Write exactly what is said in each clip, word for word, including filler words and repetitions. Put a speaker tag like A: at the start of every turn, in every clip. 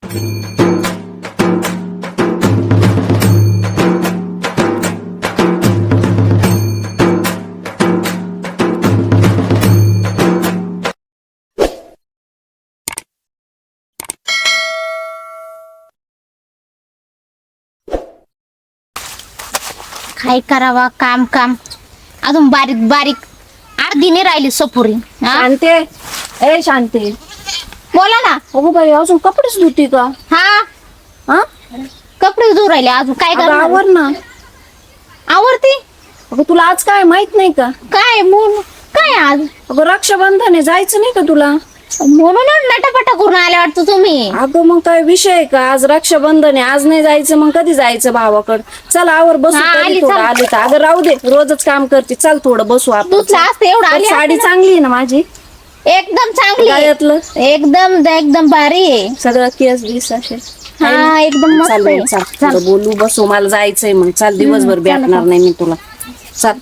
A: काय करावा काम काम अजून बारीक बारीक अर्धी नाही राहिली सपुरी. हा?
B: शांते ए शांते
A: बोला ना.
B: अगो बाई अजून कपडेच धुती का?
A: हा
B: हा
A: कपडे धुवून राहिले अजून काय
B: अगं,
A: करणार?
B: आवर ना.
A: आवडते
B: अगं तुला आज काय माहित नाही का?
A: काय म्हणून काय आज
B: अगं रक्षाबंधन आहे, जायचं नाही का तुला?
A: म्हणून नटापटा करून आले वाटतं तुम्ही.
B: अगं मग काय विषय आहे का? आज रक्षाबंधन आहे, आज नाही जायचं मग कधी जायचं भावाकडं? चल आवर बसू
A: हा,
B: तरी
A: आली,
B: थोडं
A: चल.
B: आली तर. अगं राहू दे, रोजच काम करते, चल थोडं बसू आपण.
A: दुसरं असतं एवढं आली
B: साडी
A: असते ना.
B: चांगली आहे ना माझी?
A: एकदम चांगली आहे.
B: गायातलं
A: एकदम एकदम भारी आहे.
B: सगळं केस बीस असे
A: हा एकदम मस्त
B: चाल
A: आहे.
B: चल
A: चल.
B: थोडं बोलू बसू, मला जायचंय मग. चाल दिवसभर
A: चला,
B: भेटणार नाही मी तुला. चल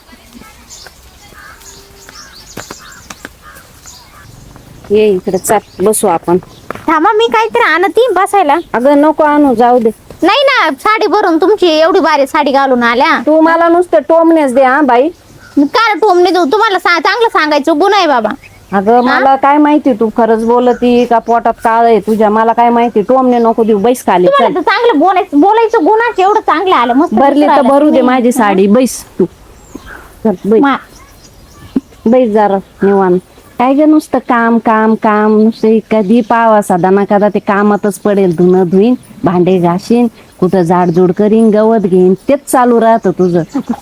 B: ये इकडे, चल बसू आपण.
A: थांबा मी काहीतरी आणती बसायला.
B: अगं नको आणू, जाऊ दे.
A: नाही ना साडी भरून तुमची एवढी भारी साडी घालून आल्या.
B: तू मला नुसतं टोमनेच दे हा बाई.
A: काय टोमने देऊ तुम्हाला सा- चांगलं सांगायचं गुण आहे बाबा.
B: अगं मला काय माहिती तू खरंच बोलती का पोटात काळ आहे तुझ्या? मला काय माहिती. टोमने नको देऊ, बैस खाली.
A: तुम्हाला
B: चल
A: तर चांगलं बोलायचं बोलायचं गुणाचं एवढं चांगलं आलं मस्त
B: भरली तर
A: दिसायला.
B: भरू दे माझी साडी, बैस तू. चल बैस,
A: मा-
B: बैस जरा निवांत. काय ग नुसतं काम काम काम नुसतं. कधी पावा साधा ना कदा ते कामातच पडेल. धुणं धुईन, भांडे घासीन, कुठं झाडझूड करीन, गवत घेईन, तेच चालू राहतं तुझं.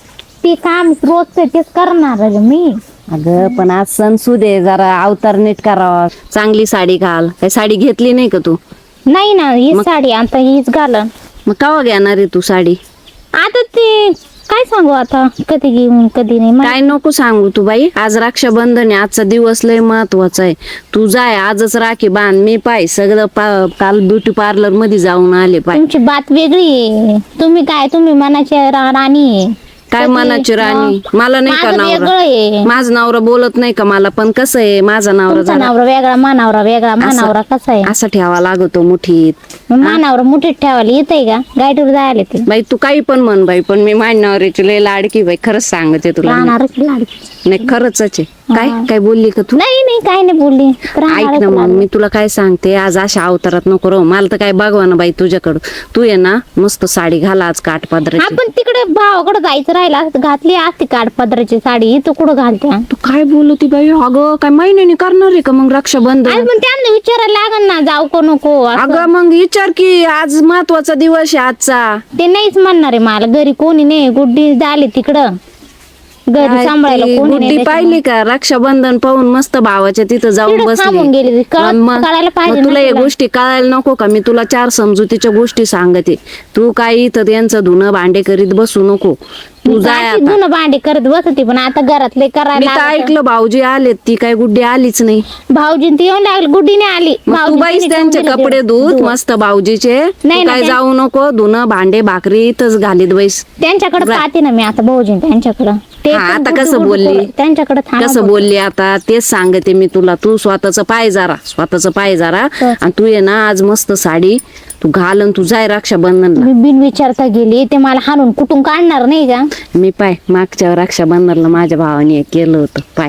A: ते काम रोजचं तेच करणार आहे मी.
B: अगं पण आज सण सुदे, जरा अवतार नीट करावा. चांगली साडी घाल. काय साडी घेतली नाही का तू?
A: नाही ना ही साडी आता हीच घालन.
B: मग केव्हा घेणार आहे तू साडी?
A: आता ते काय सांगू आता कधी घेऊन कधी नाही मा-
B: काय नको सांगू तू बाई. आज रक्षाबंधन आहे, आजचा दिवस लय महत्वाचा आहे. तू जाय आजच राखी बांध. मी पाय सगळं पा- काल ब्युटी पार्लर मध्ये जाऊन आले पाय.
A: तुमची बात वेगळी आहे. तुम्ही काय तुम्ही मनाची रा- राणी आहे.
B: काय
A: कधी-
B: मनाची राणी? मला नाही का
A: माझं
B: नवरा?
A: वेगळं आहे.
B: माझा नवरा बोलत नाही का मला? पण कसं आहे माझा नवरा
A: तुमचा
B: जरा
A: नवरा वेगळा मानावरा वेगळा मानावरा कसा आहे?
B: असा ठेवा लागतो मुठीत.
A: मग मानावरा मुठीत ठेवायला येतंय का? गाडीवर जायला ते
B: बाई तू काही पण म्हण बाई, पण मी माझ्या नवऱ्याची लय लाडकी बाई. खरंच सांगते तुला मी.
A: राहणारच लाडकी.
B: नाही खरंच आहे. काय काय बोलली का तू?
A: नाही नाही काय नाही बोलली.
B: ऐक ना
A: राहणारच
B: मग
A: लाडकी.
B: मी तुला काय सांगते, आज अशा अवतारात नको राहू. मला तर काय बघवा ना बाई तुझ्याकडं. तू ये ना मस्त साडी घाला आज काठपदराची.
A: आपण तिकडे भावाकडे जायचं राहिला असतं, घातली असती काठपदराची साडी. तू कुठं घालते?
B: तू काय बोलती बाई? अगं काय महिन्याने करणार आहे का मग रक्षाबंधन?
A: अरे पण त्यांना विचारायला लागल ना जाऊ का नको असं.
B: अगं मग विचार की आज महत्वाचा दिवस आहे आजचा.
A: ते नाहीच म्हणणार आहे मला. घरी कोणी नाही. गुड्डी झाली तिकडं घरी
B: काय
A: सांभाळायला
B: ती
A: कोणी
B: गुड्डी
A: नाही.
B: पाहिली का? रक्षाबंधन पाहून मस्त भावाच्या तिथं जाऊन
A: तिकडं थांबून
B: बसली.
A: गेली. कळ-
B: मग
A: कळायला पाहिजे
B: मग
A: ना
B: तुला या
A: तिला.
B: गोष्टी कळायला नको का? मी तुला चार समजुतीच्या गोष्टी सांगते. तू काही इथं त्यांचं धुणं भांडे करीत बसू नको. तू जाय
A: अशी
B: आता.
A: धुणं भांडी करत बसते पण आता घरातले
B: मी
A: करायला
B: तर
A: लागतं.
B: ऐकलं भाऊजी आलेत, ती काय गुड्डी आलीच नाही.
A: भाऊजीन ती येऊन लागली. गुड्डीने आली.
B: मग तू
A: भाऊजी
B: बाईस
A: तिने
B: त्यांचे
A: ठेवून
B: कपडे
A: दिले.
B: धुत मस्त भाऊजीचे. तू
A: नाही ना,
B: काय
A: त्या-
B: जाऊ नको. धुणं भांडे भाकरी इथंच घालीत बैस.
A: त्यांच्याकडे पाहते ना मी आता भाऊजीन त्यांच्याकडं. ते
B: हा,
A: पण
B: आता
A: गुड्डू
B: कसं
A: गुड्डू
B: बोलली?
A: करून त्यांच्याकडे थांबा
B: कसं
A: बोल.
B: बोलली आता तेच सांगते मी तुला. तू स्वतःच पाय जरा, स्वतःच पाय जरा.
A: हो.
B: आणि तू ये ना आज मस्त साडी तू घाल आणि तू जाय रक्षाबंधनला.
A: मी बिन विचारता गेली. ते मला हाणून कुठून काढणार नाही का?
B: मी पाय मागच्या रक्षाबंधनला माझ्या भावाने एक केलं होतं पाय.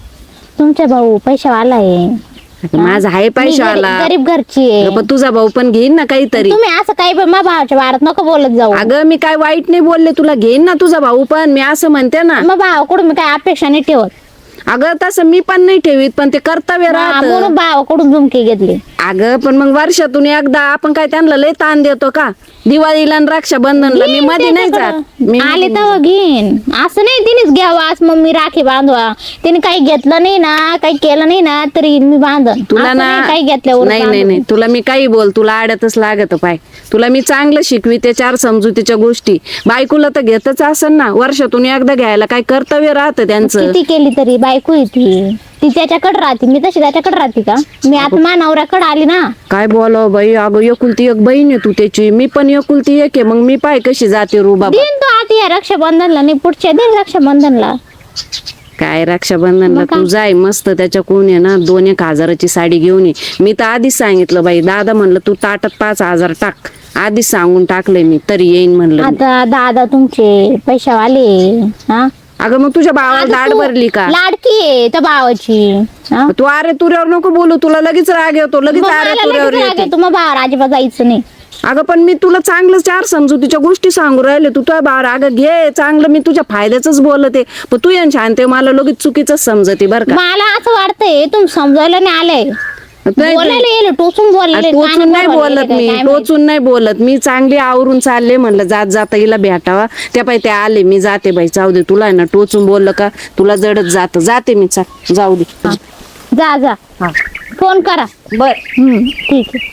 A: तुमचा भाऊ पैशावाला आहे.
B: माझा आहे
A: मी
B: पैशावाला.
A: गरीब- गरीब घरची आहे.
B: पण तुझा भाऊ पण घेईन ना काहीतरी.
A: तुम्ही असं काही पण माझ्या भावाच्या वारात नको बोलत जाऊ.
B: अगं मी काय वाईट नाही बोलले तुला. घेईन ना तुझा भाऊ पण. मी असं म्हणते ना.
A: मग भावाकडून मी काय अपेक्षा नाही ठेवत.
B: अगं तसं मी पण नाही ठेवीत, पण ते कर्तव्य
A: हा,
B: राहत.
A: म्हणून भावाकडून झुमके घेतले.
B: अगं पण मग वर्षातून एकदा आपण काय त्यांना लय ताण देतो का? दिवाळीला आणि रक्षाबंधनला मी
A: घेईन
B: मध्ये नाही जात.
A: त्याच्याकडं.
B: मी
A: आले तर घेईन. असं नाही तिनेच घ्यावा आज मम्मी राखी बांधवा. तिने काही घेतलं नाही ना काही केलं नाही ना तरी मी बांधन.
B: तुला
A: असं
B: ना
A: नाही काही घेतल्यावर
B: नाही नाही नाही तुला मी काही बोल, तुला आड्यातच लागत पाय. तुला मी चांगलं शिकवी ते चार समजुतीच्या गोष्टी. बायकोला तर घेतच असेल ना. वर्षातून एकदा घ्यायला काय कर्तव्य राहतं त्यांचं.
A: किती केली तरी बायको येते. ती त्याच्याकडे राहते. मी तशी त्याच्याकडे राहते का? मी आता माझ्या नवऱ्याकडे आली ना.
B: काय बोलावं बाई. अगं एकुलती एक बहीण आहे तू त्याची. मी पण एकुलती एक आहे. मग मी पाय कशी जाते रुबा.
A: दिन तो आता या रक्षाबंधनला नाही पुढच्या दिन रक्षाबंधनला.
B: काय रक्षाबंधनला
A: मग काय?
B: तू जाय मस्त त्याच्या कोण आहे ना दोन एक हजाराची साडी घेऊन ये. मी तर आधीच सांगितलं बाई दादा म्हणलं तू ताटात पाच हजार टाक आधीच सांगून टाकलंय मी तरी येईन म्हणलं मी.
A: आता दादा तुमचे पैशावाले हा
B: अगं मग तुझ्या भावाला
A: आता
B: दाढ
A: तू
B: भरली का
A: लाडकी आहे त्या भावाची हा?
B: तू अरे तुऱ्यावर नको बोलू तुला लगेच राग येतो लगेच
A: मग
B: अरे
A: मला
B: तुऱ्यावर
A: लगेच राग
B: येते.
A: येतो, मग भावावर अजिबात जायचं नाही.
B: अगं पण मी तुला चांगलं चार समजुतीच्या गोष्टी सांगू राहिले तू तुझ्या भावावर अगं घे चांगलं मी तुझ्या फायद्याच बोलते पण तू यांच्या शांत मला लगेच चुकीच समजते बरं का.
A: मला असं वाटतंय तुम्ही समजायला नाही आलंय
B: नाही,
A: बोलायला येईल टोचून बोलायला
B: टोचून नाही बोलत मी टोचून नाही बोलत मी चांगली आवरून चालले म्हणलं जात जाता हिला भेटावा त्या पाय ते आले मी जाते बाई जाऊ दे तुला आहे ना टोचून बोललं का तुला जडत जात जाते मी चाल जाऊ दे.
A: जा जा फोन करा
B: बर
A: हम्म ठीक आहे.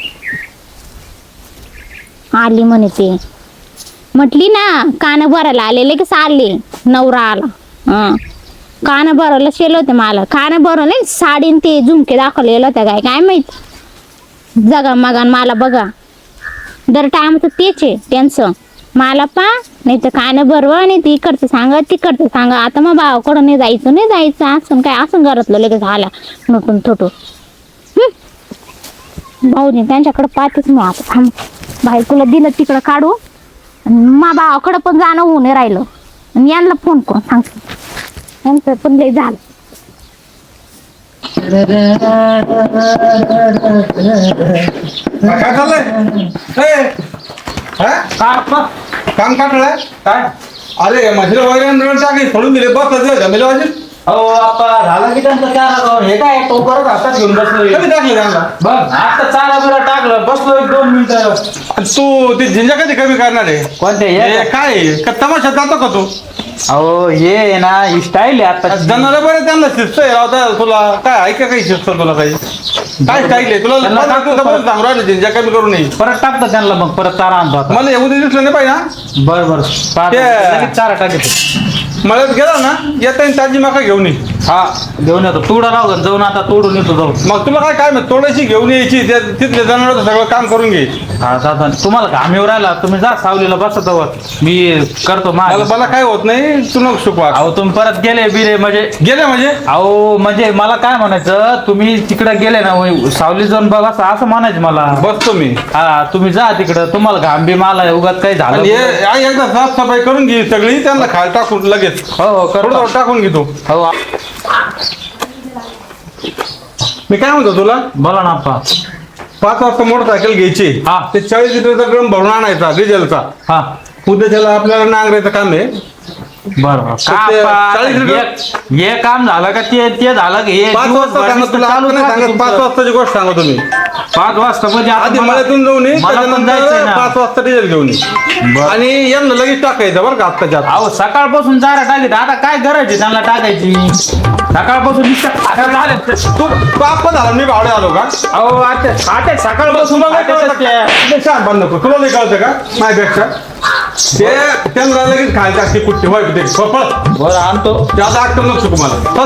A: आली म्हणे ते म्हटली ना कान भरायला आलेले की चालले नवरा आला हा कान भरायला शेल होते मला कान भरवले साडीन ते झुमके दाखवलेलं होत्या काय काय माहित जगा मगान मला बघा दर टायमाचं तेच आहे त्यांचं मला पा नाही तर कान भरवा आणि ती इकडचं सांगा तिकडचं सांगा आता मग भावाकडं नाही जायचं नाही जायचं असं काय असं घरातलं लगेच आला नटून थोटून भाऊजी त्यांच्याकडे पाहतेच मी आता थांब बायकोला दिलं तिकडं काढू आणि मा भावाकडं पण जाणं होऊन नाही राहिलं आणि यांना फोन करून सांगते यांचं पण लय झालं.
C: काय चाललंय ए, हा? काम काटलंय काय अरे म्हशीला वगैरे नळ टाकली सोडून दिले बस जमेल वाजेल
D: अहो आपा झाला की त्यांचा चारा जाऊन हे काय तो परत हातात घेऊन बसलोय
C: कधी टाकले त्यांना
D: बघ आता चारा बिरा टाकलं बसलो एक दोन मिनिटं
C: तू ती झिंजा कधी कमी करणार आहे
D: कोणते
C: हे
D: हे
C: काय आहे? का तमाशात जातो का तू
D: अहो हे आहे ना ही स्टाईल आहे आता
C: जनाला बरं त्यांना शिस्त आहे रावता तुला काय ऐका काही शिस्त तुला काही काय स्टाईल आहे तुला
D: त्यांना
C: मला
D: टाकतो
C: तुझं
D: परत.
C: बरं सांगू राहिलं झिंजा कमी करू नये
D: परत टाकतो त्यांना मग परत चारा आणतो आता
C: मला येऊ दे दिसलं नाही पाहिजे ना
D: बर बर पाहतो.
C: ते-
D: लगेच चारा टाकतो
C: मळ्यात गेला ना येता येईल ताजी मका घेऊन ये
D: हा घेऊन येतो तुडा राहू दे, जाऊन आता तोडून येतो जाऊन
C: मग तुला काय काय माहित, थोडीशी घेऊन यायची त्या तिथल्या जनावरांचं सगळं काम करून घे
D: हा जाता तुम्हाला घाम येऊ राहिला तुम्ही जा सावलीला बसत मी करतो
C: मला
D: माझ
C: मला काय होत नाही तू नको शिकवा
D: अहो तुम्ही परत गेले बिरे म्हणजे
C: गेले म्हणजे
D: अहो म्हणजे मला काय म्हणायचं तुम्ही तिकडे गेले ना वय- सावली जाऊन बघा असं असं म्हणायचं मला
C: बसतो मी
D: हा तुम्ही जा तिकडं तुम्हाला घाम बी मला उगाच काही झालं
C: आणि हे- आ- एकदा साफसफाई करून घे सगळी त्यांना खायला टाकून लगेच
D: हो हो
C: थोडं
D: करतो
C: थोडं टाकून घेतो
D: हो
C: मी काय म्हणतो तुला
D: बोला ना आप्पा
C: पाच वाजता मोटरसायकल घ्यायची
D: हा.
C: ते चाळीस लिटरचा ड्रम भरून आणायचा डिझेलचा
D: हा
C: उद्या त्याला आपल्याला नांगरायचं काम आहे
D: बरोबर
C: तर ते चाळीस लिटर-
D: हे काम झालं का ते ते झालं की हे
C: पाच वाजता
D: दिवसभर
C: सांगा
D: नुसतं
C: तुला
D: चालूच
C: आपण नाही
D: राहतं
C: सांगत पाच
D: तुमचं.
C: वाजताची गोष्ट सांगा तुम्ही
D: पाच वाजता म्हणजे आता
C: आधी
D: मला-
C: मळ्यातून जाऊन ये
D: मला पण जायचंय
C: त्याच्यानंतर
D: ना
C: पाच वाजता डिझेल घेऊन ये
D: बरं.
C: आणि यांना लगेच टाकायचं बरं का आत्ताच्या आत.
D: अहो सकाळपासून चारा टाकीत आता काय गरज आहे त्यांना टाकायची सकाळपासून नुसतं- आता झालं.
C: तू पाप झाला मी भावडे आलो का
D: अहो आता आता सकाळपासून
C: तुला नाही
D: आता
C: कळतं
D: त्या-
C: का? ते शांत बंद नको तुला नाही कळतं का माझ्यापेक्षा ते त्यांना लगेच खायला टाकते कुठे होय ते पळ
D: बरं आणतो
C: त्याचा अक्कल नको शिकू मला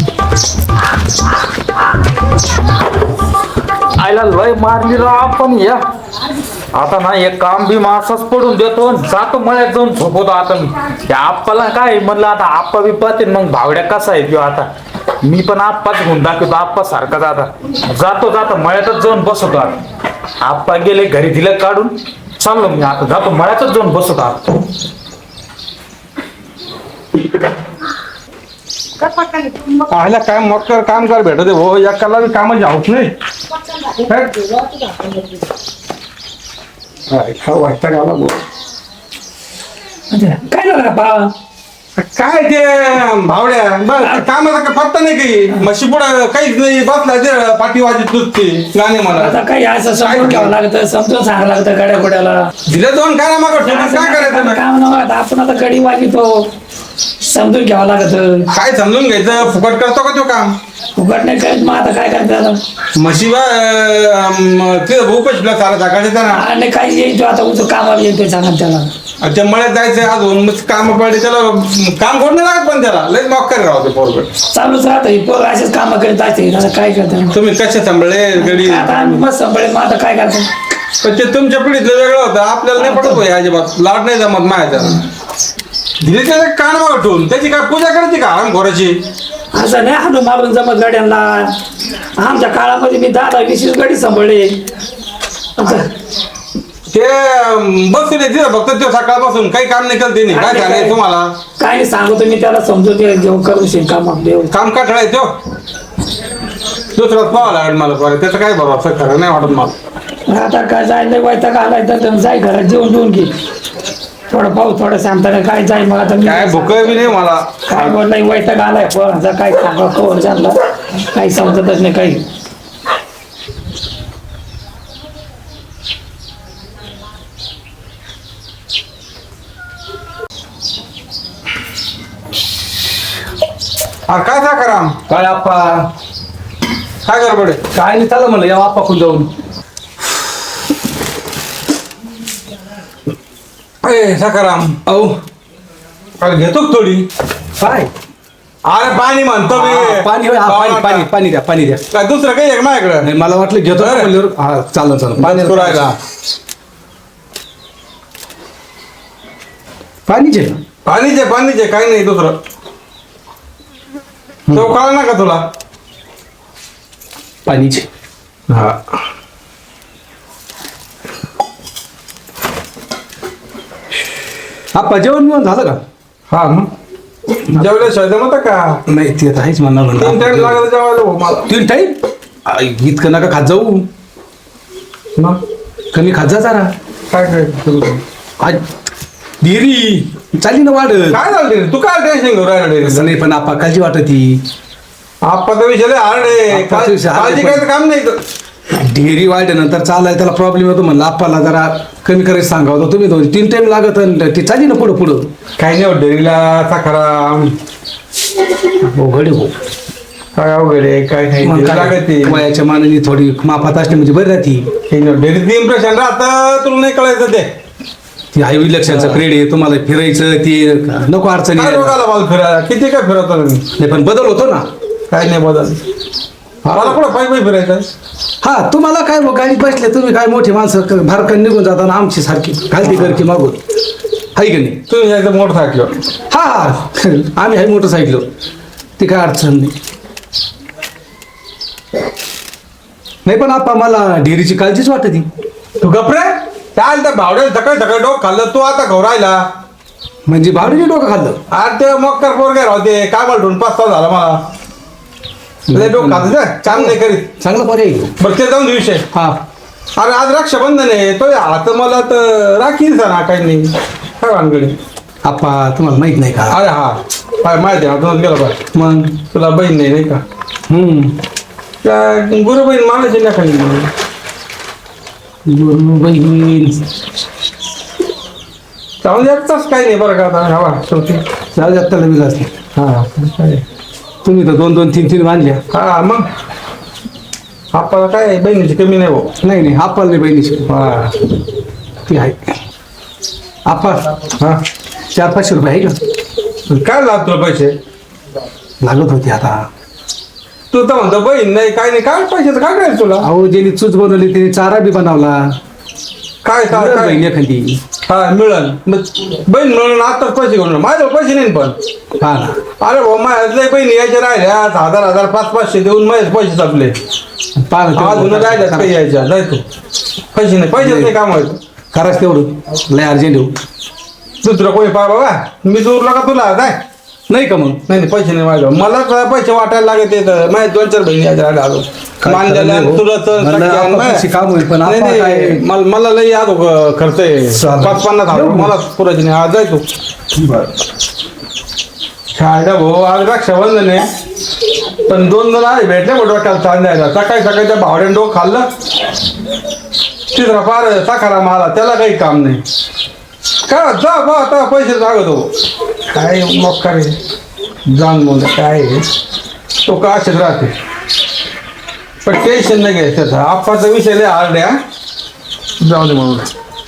D: आयला लय मारली राव आपण या आता ना एक काम बी मासाच पडून देतो आणि जातो मळ्यात जाऊन झोपवतो आता मी त्या आप्पाला काय म्हणलं आता आप्पा बी पाहते मग भावड्या कसा आहे किंवा आता मी पण आप्पाच घेऊन दाखवतो आप्पा सारखाच आता जातो जातो मळ्यातच जाऊन बसवतो आता आप्पा गेले घरी दिलं काढून चाललो मी आता जातो मळ्यातच जाऊन बसवतो आता
C: आयला काय मोकर काम कर भेटत हो या कला कामाची हाऊस नाही काय खाऊ वाटतं गाला भाऊ.
E: काय झालं का बाबा
C: काय ते भावड्या बस कामाचा का पत्ता नाही काही म्हशी पुढं काहीच नाही बसला ते पाठी वाजत नुसती गाणे मला
E: आता काही असं समजून घ्यावं लागतं समजून सांगावं लागतं गाड्या घोड्याला
C: दिले दोन काय मग काय करायचं
E: काम नव्हतं आपण आता गडी वागितो समजून घ्यावं लागत
C: काय समजून घ्यायचं फुकट करतो का तो काम
E: उघड नाही करत मग आता काय करता आता
C: म्हशीबा ते भाऊ पैसे सारा टाकायचं त्यांना
E: आणि काही येईल तो आता उचल कामाला येईल ते सांगा त्याला
C: त्या मळ्यात जायचं अजून मग काम पडले त्याला काम कोण नाही लागत पण त्याला लय मॉक्कर राहते पोरगड
E: चालूच राहतं पोर असेच कामं करीत असते आता काय करता
C: तुम्ही कसे सांभाळले गडी
E: आता आम्ही मस्त सांभाळे मग आता काय करतो
C: पण ते तुमच्या पिढीतलं वेगळं होतं आपल्याला नाही पडत भाई अजिबात लाड नाही जमत मायाचा दिले त्याला कान मागं ठेवून त्याची काय पूजा करायची का आराम घोराची
E: असं नाही हाणून मारून जमत गाड्यांना. आमच्या काळामध्ये मी दहा दहा वीस वीस गाडी सांभाळले. आता
C: ते बसले तिथं फक्त ते सकाळपासून काही काम नाही करत त्यांनी. काय सांगायचं तुम्हाला?
E: काय नाही सांगतो मी त्याला समजून घेऊन करू शकेल काम देऊ.
C: काम का ठेवायचो दुसराच पाहावं लागेल मला बरं. त्याचं काय भरोसा खरं नाही वाटत मला.
E: आता काय जायला वैताग आलाय तर जाय घरात जेवण जेवून घे. थोडं पाहू थोडं सांगता काय जाय मग आता मी
C: काय भूक बी नाही मला.
E: काय बोललाय वैताग आलाय पोरांचा काय सांगा कवर झाला काही समजतच नाही काही.
C: अरे काय साखराम
F: काय आप्पा
C: काय गडबड आहे?
F: काय नाही चाललं म्हणलं या आप्पाकडून जाऊन.
C: ए साखराम
F: अहो
C: काय घेतो का थोडी?
F: काय
C: अरे पाणी म्हणतो
F: हा,
C: मी.
F: पाणी होय, हा, पाणी पाणी पाणी द्या पाणी द्या.
C: काय दुसरं काही आहे का माझ्याकडं?
F: नाही मला वाटलं घेतो का
C: अरे.
F: म्हणल्यावर हा चालन चालन पाणी
C: पुरायला
F: पाणीचे
C: पाणीचे पाणीचे काही नाही दुसरं. तो कळलं ना का तुला?
F: पाणीचे
C: हा
F: आप्पा जेवण बिवण झालं का?
C: हा मग जेवल्याशिवाय जमत का?
F: नाही ते तर आहेच म्हणणार
C: तीन टाइम
F: म्हणलं.
C: लागत जेवायला भाऊ मला.
F: तीन टाईम इतकं नका खात जाऊ.
C: मग
F: कमी खात जा जरा.
C: काय करायचं?
F: आज डेअरी चालली ना वाढ.
C: काय झालं रे? तू काय टेन्शन घेऊन राहिला
F: असं
C: रे?
F: नाही पण आप्पा काळजी वाटत ती.
C: आप्पाचा विषय लय हार्ड आहे.
F: आप्पाचा विषय hard आहे,
C: काळजी
F: पण-
C: करायचं काम नाही इथं.
F: डेअरी वाढल्यानंतर चालाय त्याला प्रॉब्लेम येतो म्हणलं आप्पाला जरा कमी करायचं सांगावं होतं. तुम्ही दोन तीन टाइम लागत आणि ती चालली ना पुढं पुढं.
C: काही नाही होत डेअरीला साखराम.
F: अवघड आहे भाऊ.
C: काय अवघड आहे काय
F: मग
C: नाही
F: काय,
C: लागत ते.
F: वयाच्या मानाने थोडी मापात असली म्हणजे बरी राहती.
C: डेअरीचं इम्प्रेशन राहतं तुला नाही कळायचं ते.
F: ती हाय इलेक्शनचं क्रेड आहे तुम्हाला फिरायचं ते नको अडचणी
C: काय
F: यायला.
C: रोगाला मला फिरायला किती काय फिरवतो मी.
F: नाही पण बदल होतो ना.
C: काय नाही बदल. मला कुठं पायी पायी फिरायचं?
F: हा तुम्हाला काय मग गाडीत बसले तुम्ही काय मोठी माणसं क- भारकन निघून जाताना आमची सारखी घालती कर की मागून हाय की नाही.
C: तुम्ही यायचं मोटरसायकल.
F: हा हा आम्ही हाय मोटरसायकल ती काय अडचण नाही. नाही पण आप्पा मला डेअरीची काळजीच वाटते.
C: तू गपरे चाल त्या भावड्याला सकाळी सकाळी डोक खाल्लं तू आता घोरायला.
F: म्हणजे भावडीने डोकं खाल्लं.
C: अरे ते मक्कर पोरगे राहते काय बोलतो पाच तास झाला मला. लय डोक खात काम नाही करीत.
F: चांगला पर्याय आहे.
C: बरं ते जाऊन दे विषय.
F: हा
C: अरे आज रक्षाबंधन आहे तो हात मला तर राखी ना काही नाही काय भानगडी.
F: आप्पा तुम्हाला माहित नाही का.
C: अरे हा काय माहिती आहे हातूनच गेला पाय.
F: मग
C: तुला बहीण नाही नाही का?
F: हम्म
C: त्या गुरु बहीण मानायची ना काही.
F: गुरु बहीण
C: जाऊन एकटाच काही नाही बरं का आता हवा शेवटी.
F: जाऊ द्या त्याला विलास नाही.
C: हा काय
F: तुम्ही तर दोन दोन तीन तीन बांधल्या.
C: हा मग आपल्याला काय बहिणीची कमी नाही भाऊ.
F: नाही नाही आप्पाला नाही बहिणीची
C: हा
F: ती आहे. आप्पा
C: हा
F: चार पाचशे रुपये आहे का.
C: काय लागत तुला पैसे?
F: लागत होते आता.
C: तू तर म्हणतो बहीण नाही काय नाही काय पैशाचं काय करायचं तुला?
F: अहो ज्यांनी चूच बनवली त्यांनी चारा बी बनवला.
C: काय काय
F: मिळेल
C: काय
F: बहीण एखादी.
C: हा मिळेल मग बहीण मिळून आताच पैसे घेऊन माझ्याजवळ पैसे नाही पण.
F: हा ना
C: अरे भाऊ माझ्या बहिणी यायच्या राहिल्या हजार हजार पाच पाचशे देऊन माझे पैसे संपले.
F: पहा ना
C: अजून
F: तेवढं.
C: राहिल्यात काही यायच्या जाय तू. पैसे नाही पैसेच नाही काम व्हायचं.
F: कराच तेवढं लय अर्जंट येऊ.
C: दुसरं कोणी पाय बाबा मी जोरला का तुला जाय.
F: नाही का मग
C: नाही नाही पैसे नाही माझ्या मला तर पैसे वाटायला लागत येत माझ्या दोन चार बहिणी यायच्या राहिल्या अजून.
F: काय
C: मानलेल्या
F: खरं नाही हो.
C: तुला
F: म्हणलं आपण कशी काम होईल, पण
C: नाही
F: आपण
C: नाही
F: काय-
C: मला मला लई याद हो- खर्च आहे
F: चालेल.
C: पाच पन्नास हजार
F: येऊ.
C: मला पुरायची नाही आज जाय तू. खायला भाऊ आज रक्षाबंधन आहे पण दोन जण आहे भेटले मोठं वाटायला चांदायला सकाळी सकाळी त्या भावड्यानं डोक खाल्लं तिसरा फार साखारा मला त्याला काही काम नाही काय जा बा आता पैसे सांगतो काय मग काय जाण बोल काय आहे. तो का असेच राहते पण टेन्शन नाही घ्यायचं त्याचा आप्पाचा विषय लय हार्ड आहे हा. जाऊ दे म्हणून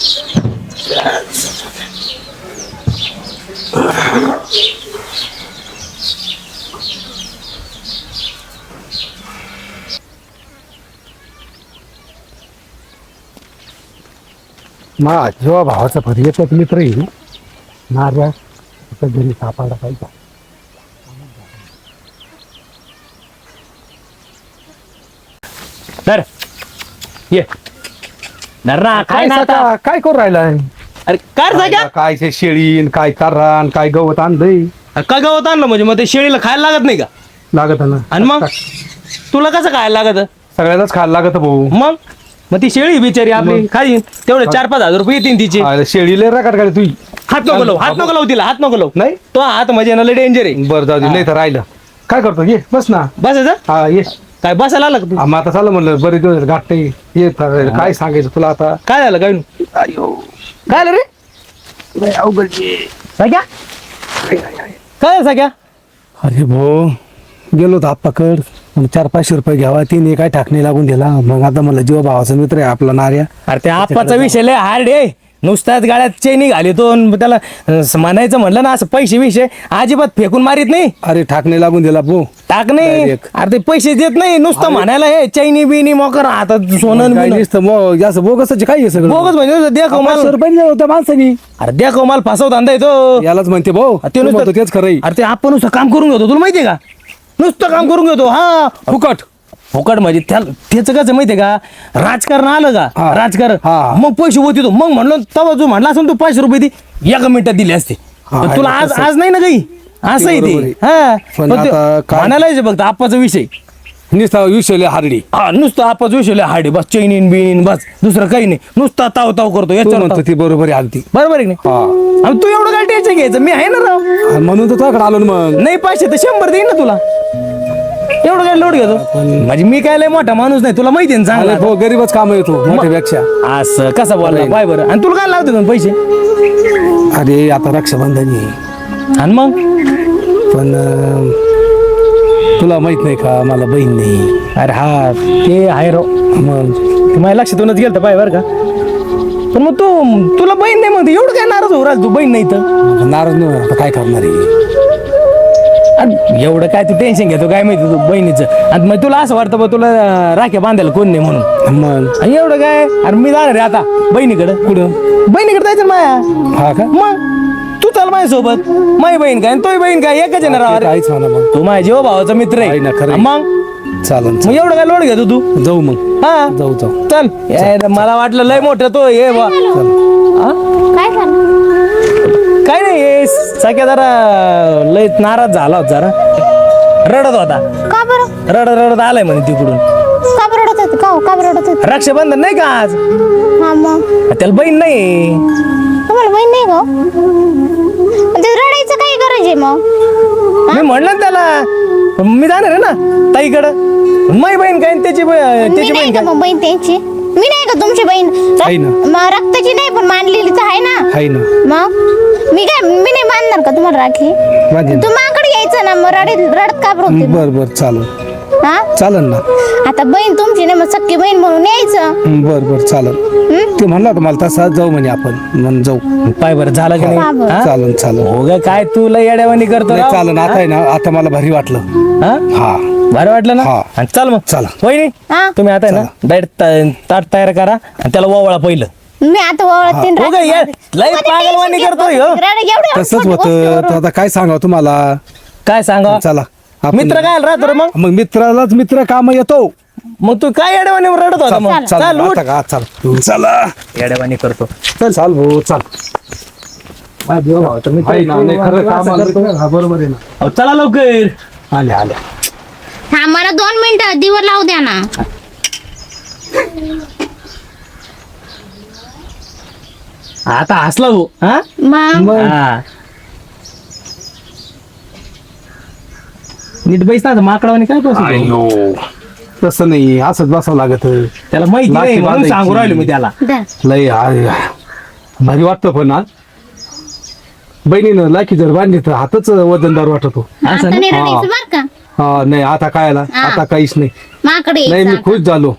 F: माझ्या भावाचा पर्यटक मित्र येईल नाऱ्या घरी सापडला पाहिजे.
G: धर ये धर ना काय
C: काय
G: ना आता
C: सका- काय करू राहिलाय
G: अरे काय जाग्या
C: काय ते शेळीन काय तारान काय गवत आणलंय
G: का गवत आणलं म्हणजे मग ते शेळीला खायला लागत नाही का
C: लागत ना
G: आणि मग तुला कसं खायला लागत
C: सगळ्यालाच खायला लागत भाऊ
G: मग मग ती शेळी बिचारी आपली खाईन तेवढे चार पाच हजार रुपये येतील तिचे
C: अरे शेळीला रकाट काढ तुझी
G: हात नको लावू हात नको लावू तिला हात नको लावू
C: नाही?
G: तो हात म्हणजे ना लय डेंजर आहे
C: बरं जाऊ दे नाही तर राहिलं काय करतो ये बस ना
G: बसायचं
C: हा ये
G: काय बसायला आला का तू
C: आम्ही आता चाललं म्हणलं बरेच दिवस गाठ नाही ये तर काय सांगायचं तुला आता
G: काय झालं काय नु? काय आलं रे सगळ्या काय झालं सगळ्या
F: अरे भाऊ गेलो होतो आप्पाकड मग चार पाचशे रुपये घ्यावा तिने काय टाकणी लागून दिला मग आता मला जीवा भावाचा मित्र आहे आपला नार्या
G: अरे त्या आप्पाचा विषय लय हार्ड आहे नुसताच गाड्यात चैनी घालितो आणि त्याला अं, म्हणायचं म्हणलं ना असं पैसे विषय अजिबात फेकून मारित नाही
F: अरे टाकणी लागून दिला भाऊ
G: टाक नाही
F: Direct.
G: अरे ते पैसे देत नाही नुसतं म्हणायला हे चैनी बिनी मोकर आता सोनं
F: काय
G: बिनं.
F: नुसतं मग जास्त बोगसच काय आहे सगळं
G: बोगस म्हणजे नुसतं द्या
F: पाचशे
G: कमाल
F: रुपये दिले होते माणसानी
G: अरे द्या कमाल फसव धंदा येतो
F: यालाच म्हणते भाऊ
G: ते
F: तू
G: नुसतं
F: म्हणतो तेच खरंय
G: अरे ते आपण नुसतं काम करून घेतो तुला माहितीये का नुसतं काम करून घेतो हा
F: फुकट
G: फुकट म्हणजे त्याला त्याचं कसं माहितीये का राजकारण आलं का
F: हा.
G: राजकारण
F: हा.
G: मग पैसे होते तो मग म्हणलो तेव्हा जो म्हणला असं तू पाचशे रुपये ती एका मिनिटात दिले असते
F: हा,
G: पण तुला
F: आहे
G: आज
F: तसं.
G: आज नाही ना काही असं आहे
F: बरोबर
G: ते
F: आहे.
G: हा
F: पण
G: पण ते
F: आता काय-
G: म्हणायला यायचं फक्त आप्पाचा विषय
F: नुसता विषय हारडी
G: हा नुसतं आप्पाचा विषय लय हार्ड आहे. बस चैनीन बिनीन बस दुसरं काही नाही नुसता ताव ताव करतो
F: तू
G: याच्यावर
F: म्हणतो
G: ताव.
F: ती बरोबर आहे आलती
G: बरोबर आहे की नाही
F: हा
G: आणि तू एवढं काय टेन्शन घ्यायचं मी आहे ना राव
F: आणि म्हणून तर तुझ्याकडे आलो ना मग
G: नाही पाचशे तर शंभर देईन ना तुला एवढं काय लोड घेतो म्हणजे मी काय लय मोठा माणूस नाही तुला माहिती आहे ना
F: अरे
G: चांगला
F: भाऊ गरीबच काम येतो मोठ्यापेक्षा
G: असं कसं बोलला बाय बरं आणि तुला काय लावते दोन पैसे
F: अरे आता रक्षाबंधन आहे
G: आणि मग
F: पण अं, तुला माहित नाही का मला बहीण नाही
G: अरे हा ते आहे राव
F: मग
G: ते माझ्या लक्षातूनच गेलं पाय बरं का पण मग तू तुला बहीण नाही म्हणते एवढं काय नाराज हो राज तू बहीण नाही तर
F: नाराज नाही होणार, आता काय करणार आहे
G: अरे एवढं काय तू टेन्शन घेतो काय माहिती तू बहिणीचं आणि मग तुला असं वाटतं बा तुला राख्या बांधायला कोण नाही म्हणून
F: मग
G: आणि एवढं काय अरे मी जाणार आहे आता बहिणीकडं
F: कुठं
G: बहिणीकडे जायचं ना माया
F: हा का
G: मग तू चाल माझ्यासोबत माझी बहीण काय आणि तोही बहीण काय एकच आहे ना राव अरे.
F: काहीच म्हणा मग
G: तू माझ्या जीवा भावाचा मित्र
F: आहे ना, खरं
G: आहे
F: आहे.
G: मग
F: चालन
G: मग एवढं काय लोड घेतो तू
F: जाऊ मग
G: हा
F: जाऊ जाऊ
G: चल यार, मला वाटलं लय मोठं तो ये बा हा?
A: काय झालं
G: काय नाही हे सगळ्या जरा लय नाराज झाला होता जरा रडत होता
A: का बरं
G: रडत रडत आलाय म्हणे तिकडून
A: का बरं रडत होते का हो? का बरं रडत होते
G: रक्षाबंधन नाही का आज
A: हा मग
G: त्याला बहीण नाही
A: तुम्हाला बहीण नाही का हो? ते रडायचं काही गरज आहे मग
G: मी म्हणलं ना त्याला पण मी जाणार आहे ना ताईकडं माझी बहीण काय आणि त्याची बही-
A: मी
G: त्याची
A: नाही
G: बहीण
A: का
G: काय
A: मग बहीण त्यांची मी नाही का तुमची बहीण
F: आहे ना.
A: रक्त- मग रक्ताची नाही पण मानलेली तर आहे ना
F: आहे ना
A: मग मी काय मी नाही मानणार का तुम्हाला राखी
F: माझी
A: तू माकडे यायचं ना मग रडत रडत का बरं होते मग?
F: बर बर चालन
A: हा
F: चालन ना
A: आता बहीण तुमची नाही मग सख्खी बहीण म्हणून यायचं
F: बर बर चालन
A: हं?
F: ते म्हणला होता मला तसा जाऊ म्हणे आपण म्हण जाऊ
G: पाय बरं झालं की
A: का
G: नाही
A: बरं?
G: हा?
F: चालन चालन
G: हो ग काय तू लय येड्यावानी करतो
F: नाही
G: राव.
F: चालन आता आहे ना आता मला भारी वाटलं
G: हा?
F: हा
G: बरं वाटलं ना
F: हा.
G: आणि चल मग
F: चला.
G: वहिनी
A: हा?
G: तुम्ही आता आहे ना डायरेक्ट ताट तयार करा आणि त्याला ओवळा पहिलं
A: मी आता ओळखते
G: हो का, ये, लय पागलवाणी करतोय, हो.
F: तसंच होतं तर आता काय सांगावं तुम्हाला
G: काय सांगा
F: चला आपण-
G: मित्र काय राहतो रे मग
F: मग मित्रालाच मित्र काम येतो
G: मग तू काय येड्यावानी रडत होता मग
F: चल
G: चल उठ.
F: आता का चल चला
G: येड्यावानी करतो
F: चल चाल भाऊ चाल आहे ना, नाही, खरं काम आलं. हा, बरोबर आहे ना
G: अहो, चला लवकर
F: आले आले
A: हा मला दोन मिनिटं दिवर लावू द्या ना
G: आता हसला हो हा
A: मग
G: हा. नीट बैस ना माकडावानी काय बसू तू?
F: अयो तसं नाही असंच बसावं लागत
G: त्याला माहिती नाही
F: लाठी
G: म्हणून
F: बांधायची.
G: सांगू राहिलो मी त्याला
A: धर.
F: लय आ- भारी वाटतं पण आज बहिणीनं लाखी जर बांधली तर हातच वजनदार वाटतो
A: आता
G: असं
A: नाही
F: हा.
A: रडायचं बर का
F: हा नाही आता काय आला
A: हा.
F: आता काहीच नाही
A: माकडे
F: नाही मी
A: यायचं
F: खुश झालो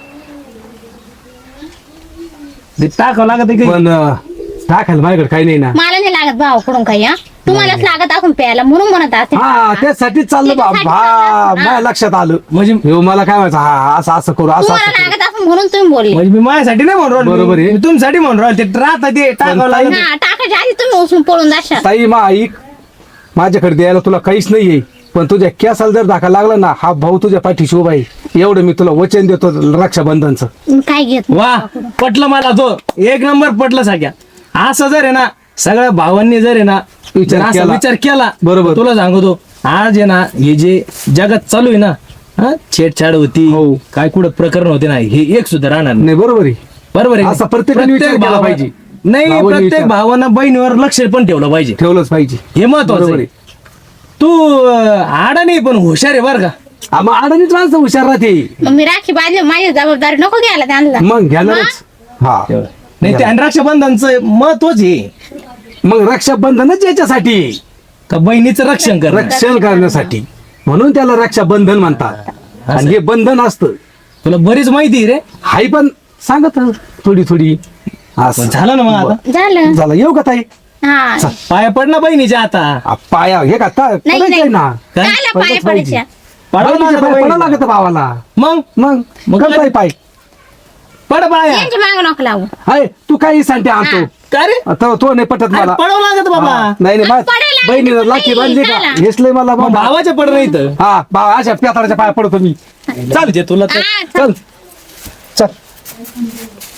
G: ते टाकावं लागत आहे
F: पण अं, टाकायला माझ्याकडे काही नाही ना
A: मला नाही लागत भाऊ कडून काही हा तुम्हालाच लागत असून प्यायला म्हणून म्हणत असते
F: हा त्यासाठीच चाललं बा
A: त्याच्यासाठी
F: भा
A: चाललं.
F: माझ्या लक्षात आलं
G: म्हणजे
F: ह्यो मला काय व्हायचं हा असं असं करू असं
A: तुम्हाला
F: असं करू
A: लागत असून म्हणून तुम्ही बोलले
G: म्हणजे मी माझ्यासाठी नाही म्हणून राहिलो.
F: बरोबर आहे.
G: मी तुमच्यासाठी म्हणून राहिलो ते राहता ते टाकावं लागत
A: हा टाकायच्या आधी तुम्ही उचलून पळून जाशाल
F: ताई मा ऐक माझ्याकडे द्यायला तुला काहीच नाहीये पण तुझ्या केसाला जर धाका लागला ना हा भाऊ तुझ्या पाठीशी उभा आहे एवढं मी तुला वचन देतो रक्षाबंधनचं.
A: मी काय घेत
G: वा पटलं मला तो एक नंबर पटलं सगळ्या. असं जर आहे ना सगळ्या भावांनी जर आहे ना
F: विचार
G: जर असा
F: केला.
G: विचार केला
F: बरोबर.
G: तुला सांगतो आज आहे ना हे जे जगात चालू आहे ना हा छेडछाड होती
F: हो.
G: काय कुठं प्रकरण होते ना हे एक सुद्धा राहणार नाही.
F: नाही बरोबर आहे.
G: बरोबर आहे
F: असा प्रत्येकाने विचार केला
G: भावा-
F: पाहिजे.
G: नाही
F: भावाने
G: प्रत्येक
F: विचार-
G: भावानं बहिणीवर लक्ष पण ठेवलं पाहिजे
F: ठेवलंच पाहिजे.
G: हे महत्वाचं
F: बरोबर
G: आहे.
F: आहे.
G: तू अं, आडा नाही पण हुशार आहे बरं का.
F: हा, मग अडणीच माणसं हुशार राहते
A: मग मी राखी बांधली माझी जबाबदारी नको घ्यायला त्यांना.
F: मग घेणारच. हा
G: नाही ते आणि रक्षाबंधनचं महत्वच आहे
F: मग रक्षाबंधनच याच्यासाठी
G: का बहिणीचं रक्षण कर
F: रक्षण करण्यासाठी म्हणून त्याला रक्षाबंधन म्हणतात. आणि हे बंधन असतं
G: तुला बरीच माहिती आहे रे.
F: हाय पण सांगत थोडी थोडी असं.
G: पण झालं ना मग आता
A: झालं
F: झालं येऊ का ताई
A: हा
G: पाया पड ना बहिणीच्या आता
F: आ, पाया हे का ता-
A: नाही
F: पडायचंय
A: नाही
F: ना
G: काय?
A: कायला पाय
F: पडलंच पाहिजे.
A: पडायच्या
G: पडावं
F: बहिणीच्या
G: लागतं
F: पाया पडावं
G: बहिणीला.
F: लागतं भावाला.
G: मग
F: मग
G: मग
F: मग
G: काय?
F: पाय
G: पड पाया
A: यांची माग नको लावू.
F: हाय तू काही सांगते आणतो
G: काय रे
F: आता तो नाही पटत मला.
G: पडावं लागत बाबा
F: हा, नाही नाही मा-
A: पडायला लागतं
F: बहिणीला
A: पण
F: लाठी
A: नाही,
F: बांधली का
A: त्याला.
F: हेसले मला
G: मग
F: बाबा.
G: भावाच्या पड नाही तर
F: हा भावा अशा प्याताळाच्या पाया पडतो मी.
G: चालते तुला तर
A: हा,
F: चल चल